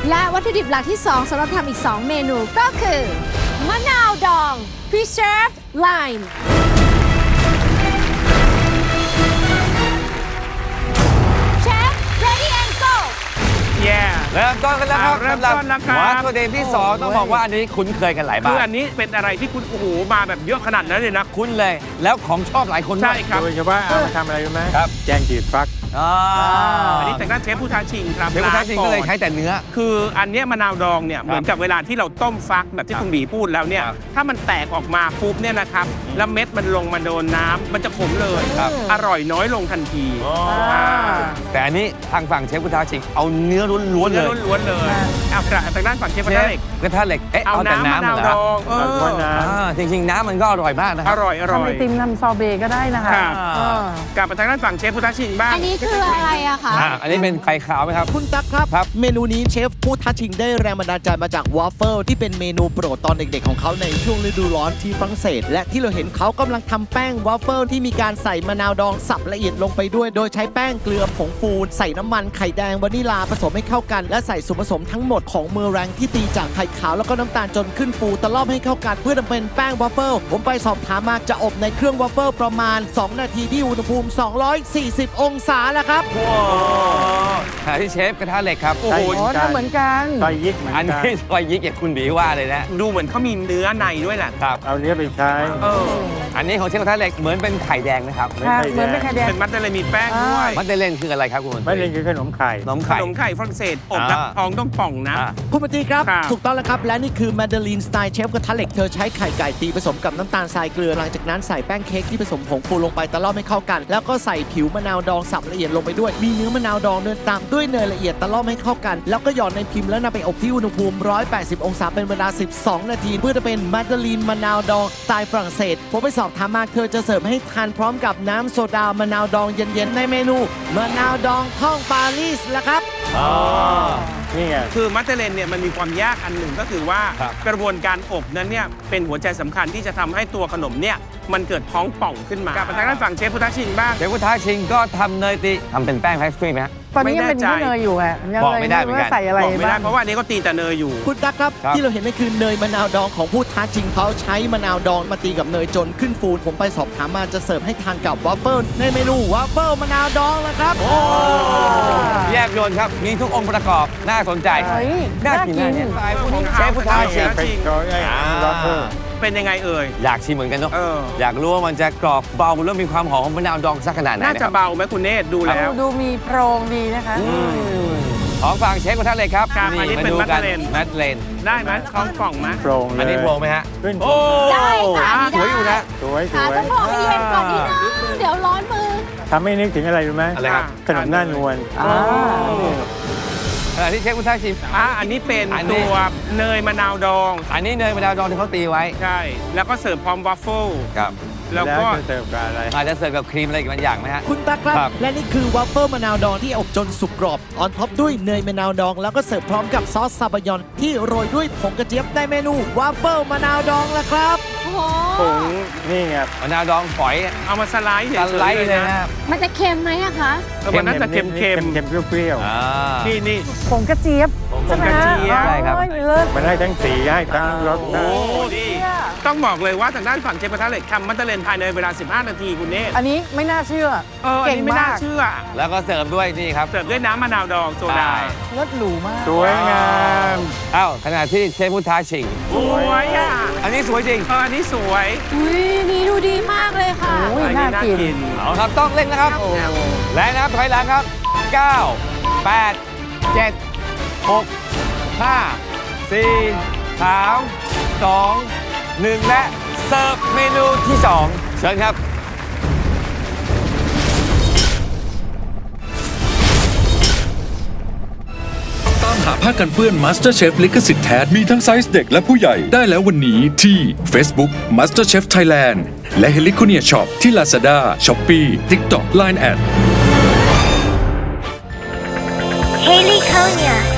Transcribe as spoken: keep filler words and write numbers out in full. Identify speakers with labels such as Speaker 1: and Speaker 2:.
Speaker 1: และวัตถุดิบหลักที่สองสำหรับทำอีกสองเมนูก็คือมะนาวดอง preserved lime Chef ready and go
Speaker 2: แย่
Speaker 3: เริ่มต้นกันแล้วครับ
Speaker 2: เริ่มต้นแล้วครับ
Speaker 3: วัตถุดิบที่สองต้องบอกว่าอันนี้คุ้นเคยกันหลาย
Speaker 2: คื
Speaker 3: บ้า
Speaker 2: อน อันนี้เป็นอะไรที่คุณโอ้โหมาแบบเยอะขนาดนั้นเลยนะ
Speaker 3: คุ้นเลย แล้วของชอบหลายคน
Speaker 2: ใช่
Speaker 3: ด้วย
Speaker 2: ครับ
Speaker 4: โดยเฉพาะเอามาทำอะไรรู้ไหม
Speaker 3: ครับ
Speaker 4: แกงจืดฟัก
Speaker 3: อ่า
Speaker 2: อันนี้แต่งด้านเชฟผู้ท้าชิงครับ
Speaker 3: เชฟผู้ท้าชิงก็เลยใช้แต่เนื้อ
Speaker 2: คืออันเนี้ยมะนาวดองเนี่ยเหมือนกับเวลาที่เราต้มฟักแบบที่คุณหมีพูดแล้วเนี่ย
Speaker 3: ครับ
Speaker 2: ถ้ามันแตกออกมาปุ๊บเนี่ยนะครับแล้วเม็ดมันลงมาโดนน้ำมันจะขมเลย
Speaker 3: ครับ
Speaker 2: อร่อยน้อยลงทันที
Speaker 3: แต่อันนี้ทางฝั่งเชฟพุทธาชิงเอาเนื้อล้วนๆเล
Speaker 2: เนื้อย ล้วนๆเลยเอากระทางด้านฝั่งเชฟกระทะเหล็ก
Speaker 3: กระทะเหล็กเอ๊ะ
Speaker 2: เอา
Speaker 3: เอาแต่
Speaker 2: น้ำมะ
Speaker 3: น้ำ
Speaker 2: นาว
Speaker 3: เหร
Speaker 2: ด
Speaker 3: อ
Speaker 2: องเอ
Speaker 4: เอาถ้วย
Speaker 2: อ
Speaker 4: น้
Speaker 3: อ่าจริงๆ น้ำมันก็อร่อยมากนะค
Speaker 2: อ
Speaker 3: รับ
Speaker 2: ร่อยอร่
Speaker 5: ทำ
Speaker 2: อ
Speaker 5: ไอย ติมทำซอเบต์ก็ได้นะคะ
Speaker 2: ครับ
Speaker 5: เออก
Speaker 2: ลับมาทางด้านฝั่งเชฟพุทธชิงบ้าง
Speaker 1: อันนี้คืออะไรอะคะ
Speaker 3: อ่าอันนี้เป็นไข่ขาวไหมครับ
Speaker 6: คุณตั๊กครับ
Speaker 3: ครับ
Speaker 6: เมนูนี้เชฟผู้ท้าชิงได้แรงบันดาลใจมาจากวอฟเฟิลที่เป็นเมนูโปรดตอนเด็กๆของเขาในช่วงฤดูร้อนที่ฝรั่งเศส และที่เราเห็นเขากำลังทำแป้งวอฟเฟิลที่มีการใส่มะนาวดองสับละเอียดลงไปด้วย โดยใช้แป้งเกลือผงฟูใส่น้ำมันไข่แดงวานิลาผสมให้เข้ากัน และใส่ส่วนผสมทั้งหมดของเมอแรงที่ตีจากไข่ขาวแล้วก็น้ำตาลจนขึ้นฟูตะล่อมให้เข้ากันเพื่อทำเป็นแป้งวอฟเฟิลผมไปสอบถามมาจะอบในเครื่องวอฟเฟิลประมาณสองนาทีที่อุณหภูมิสองร้อยสี่สิบองศาแล้วครับ
Speaker 3: หาที่เชฟกระทะเหล็กครับ
Speaker 2: โอ้
Speaker 4: ำ
Speaker 2: โห
Speaker 5: อ๋อทำเหมือนกัน
Speaker 4: ซอยยิกเหมือน
Speaker 3: อัน
Speaker 4: กัน
Speaker 3: นี้ซอยยิกอย่างคุณบีว่าเลยนะ
Speaker 2: ดูเหมือนเขามีเนื้อในด้วยแหละ
Speaker 3: ครับ
Speaker 4: เอาเนื้อไปใช้
Speaker 2: เออ
Speaker 3: อันนี้ของเชฟกระทะเหล็กเหมือนเป็นไข่แดงนะครับ
Speaker 4: ไม่
Speaker 5: ค่ะ
Speaker 4: ไข่
Speaker 5: เหมือนเป็น
Speaker 4: แด
Speaker 5: ไข่
Speaker 4: ง
Speaker 5: แดง
Speaker 2: เป็นมัดเตลมีแป้งด้วย
Speaker 3: มัดเดเลนคืออะไรครับคุณ
Speaker 4: ไม่เล่นคือขนมไข่
Speaker 3: ขนม
Speaker 2: ข
Speaker 3: ไข่
Speaker 2: นมไข่ฝรั่งเศสอบแล้ว
Speaker 3: อ่า
Speaker 2: ทองต้องป่องนะ
Speaker 3: อ่า
Speaker 6: คุณปฏิครับ
Speaker 2: ครับ
Speaker 6: ถูกต้องแล้วครับ และนี่คือแมนดารินสไตล์เชฟกระทะเหล็กเธอใช้ไข่ไก่ตีผสมกับน้ำตาลทรายเกลือหลังจากนั้นใส่แป้งเค้กที่ผสมผงฟูลงไปตะล่อมให้เข้ากัน แล้วก็ใส่ผิวมะนาวดองสับละเอียดลงไปด้วย มีเนื้อมะนาวดองเดินตามด้วยเนยละเอียดตะล่อมให้เข้ากัน แล้วก็หย่อนในพิมพ์แล้วนำไปอบที่อุณหภูมิ หนึ่งร้อยแปดสิบ องศาเป็นเวลา สิบสอง นาที เพื่อจะเป็นแมนดารินมะนาวดองสไตล์ฝรั่งเศสผมไปสอบถามมาเธอจะเสิร์ฟให้ทานพร้อมกับน้ำโซดามะนาวดองเย็นๆในเมนูมะนาวดองท่องปารีสละครับ
Speaker 3: อ๋อ
Speaker 4: นี่ไง
Speaker 2: คือมัตเตเลนเนี่ยมันมีความยากอันหนึ่งก็คือว่า
Speaker 3: ครับ
Speaker 2: กระบวนการอบนั้นเนี่ยเป็นหัวใจสำคัญที่จะทำให้ตัวขนมเนี่ยมันเกิดท้องป่องขึ้นมากลับมาทางด้านฝั่งเชฟพุทธชิงบ้าง
Speaker 3: เชฟพุทธาชิงก็ทำเนยตีทำเป็นแป้งแพสตรีไหมฮะ
Speaker 5: ตอนนี้ยังเป็น
Speaker 2: ไม่แน่ใจ
Speaker 5: แค่เนยอยู่อะยัง
Speaker 3: บอก
Speaker 5: เลย
Speaker 3: ไม่ได้เหมือนกัน
Speaker 5: ว่าใส่อะไร
Speaker 2: บอกไม่ได้
Speaker 5: บ้าง
Speaker 2: เพราะว่าอันนี้ก็ตีแต่เนยอยู่
Speaker 6: คุณตั๊กครับ
Speaker 3: ครับ
Speaker 6: ที่เราเห็นนั่นคือเนยมะนาวดองของผู้ท้าชิงเขาใช้มะนาวดองมาตีกับเนยจนขึ้นฟูผมไปสอบถามมาจะเสิร์ฟให้ทานกับวาฟเฟิลในเมนูวาฟเฟิลมะนาวดองแล้วครับ
Speaker 3: แยบยนต์ครับ มีทุกองค์ประกอบ น่าสนใจ
Speaker 5: เฮ้ย
Speaker 3: น่า
Speaker 5: น่า
Speaker 3: กิน
Speaker 5: กิ
Speaker 3: นะ
Speaker 5: น
Speaker 3: เนี่ย
Speaker 2: ของ
Speaker 3: เชฟพุทธาชิง
Speaker 4: เป็นโดยไอ้ล็อกเกอร์
Speaker 2: เป็นยังไงเอ่ย
Speaker 3: อยากชิมเหมือนกันเนาะ
Speaker 2: เออ
Speaker 3: อยากรู้ว่ามันจะกรอบเบาแล้วมีความหอมของมะนาวดองสักขนาดไหน
Speaker 2: น่า
Speaker 3: นะค
Speaker 2: จะ
Speaker 3: รับ
Speaker 2: เบาไหมคุณเนตรดูแล้ว
Speaker 5: ดูมีโพรงดีนะคะ
Speaker 3: ของฝั่งเชฟกระทะเหล็กครับ
Speaker 2: ครับอันนี้เป็น
Speaker 3: มาดู
Speaker 2: มัดเลน
Speaker 3: มัดเลน
Speaker 2: ได้ไหมท้องป่องไหม
Speaker 4: โปร่งเลย
Speaker 3: อันนี้โปร่งไหมฮะ
Speaker 4: ขึ้น
Speaker 3: โอ้
Speaker 1: ได้ค่ะ
Speaker 3: สวยอยู่นะ
Speaker 4: สวยส
Speaker 1: ค่ะ
Speaker 4: วย
Speaker 1: ต้องบอกให้เย็นก่อนนิดนึงเดี๋ยวร้อนมือ
Speaker 4: ทำให้นึกถึงอะไรรู้ไหม
Speaker 3: อะไรครับ
Speaker 4: ขนมหน้านวล
Speaker 5: อ่า
Speaker 3: ขณะที่เชฟพุทธาชิง
Speaker 2: อ่ะอันนี้เป็น
Speaker 3: อันนี้
Speaker 2: ตัวเนยมะนาวดอง
Speaker 3: อันนี้เนยมะนาวดองที่เขาตีไว้
Speaker 2: ใช่ แล้วก็เสิร์ฟพร้อมวาฟเฟิล
Speaker 3: ครับ
Speaker 2: แล้ว
Speaker 4: แล้ว
Speaker 2: ก็
Speaker 4: จะเสิร์ฟกับอะไร
Speaker 3: อาจจะเสิร์ฟกับครีมอะไรอีกบางอย่างไหมฮะ
Speaker 6: คุณตั๊กครับ
Speaker 3: ครับ
Speaker 6: และนี่คือวาฟเฟิลมะนาวดองที่อบจนสุกกรอบ ออนท็อปด้วยเนยมะนาวดอง แล้วก็เสิร์ฟพร้อมกับซอสซาบะยอน ที่โรยด้วยผงกระเจี๊ยบในเมนูวาฟเฟิลมะนาวดองละครับ
Speaker 1: โอ้โห
Speaker 4: ผงนี่ไง
Speaker 3: มะนาวดองฝอย
Speaker 2: เอามาสไลด์เฉ
Speaker 3: ส
Speaker 2: ยๆ
Speaker 3: ไลด์
Speaker 2: เลย
Speaker 3: เลย
Speaker 2: นะ
Speaker 3: นะ
Speaker 1: มันจะเค็มไหมอะคะ
Speaker 2: เออมันน่าจะเค็มๆ
Speaker 4: เค็มๆเปรี้ยว
Speaker 3: อ่า
Speaker 2: นี่นี่
Speaker 5: ผงกระเจี๊ยบ
Speaker 2: ผงกระเจี๊ยบ
Speaker 5: ใช่ไหม
Speaker 3: ใช่ครับ
Speaker 5: โอ้ยเลิศ
Speaker 4: ๆมันให้ทั้งสีให้ทั้งรส
Speaker 2: โอ้
Speaker 4: ได้
Speaker 2: ดีต้องบอกเลยว่าทางด้านฝั่งเชฟกระทะเหล็กทำมัตเตอร์เลนภายในเวลา สิบห้า นาทีคุณเนตร
Speaker 5: อันนี้ไม่น่าเชื่อ
Speaker 2: เอออัน
Speaker 5: เก่ง
Speaker 2: นี้ไม่น่าม
Speaker 5: าก
Speaker 2: เชื่อ
Speaker 3: แล้วก็เสิร์ฟด้วยนี่ครับ
Speaker 2: เสิร์ฟด้วยน้ำมะนาวดองโซดา
Speaker 3: ใช่
Speaker 5: เลิศหรูมาก
Speaker 4: สวยงาม
Speaker 3: อ้าวขณะที่เชฟพุทธาชิง
Speaker 2: สวยอ่ะ
Speaker 3: อันนี้สวยจริง
Speaker 2: เอออันนี้สวย
Speaker 1: อุ้ยนี่ดูดีมากเลยค่ะ
Speaker 5: โอ้ย
Speaker 2: อัน
Speaker 5: น่า
Speaker 2: นี้
Speaker 5: กิน
Speaker 3: เอาครับต้องเร่งนะครับ และนับถอยหลังครับ เก้า แปด เจ็ด หก ห้า สี่ สาม สอง หนึ่ง และเสิร์ฟเมนูที่สองเชิญครับ
Speaker 7: ตามหาผ้ากันเปื้อน MasterChef ลิขสิทธิ์แท้มีทั้งไซส์เด็กและผู้ใหญ่ได้แล้ววันนี้ที่ Facebook MasterChef Thailand และ Heliconia Shop ที่ Lazada, Shopee, TikTok, ไลน์ แอท
Speaker 8: Heliconia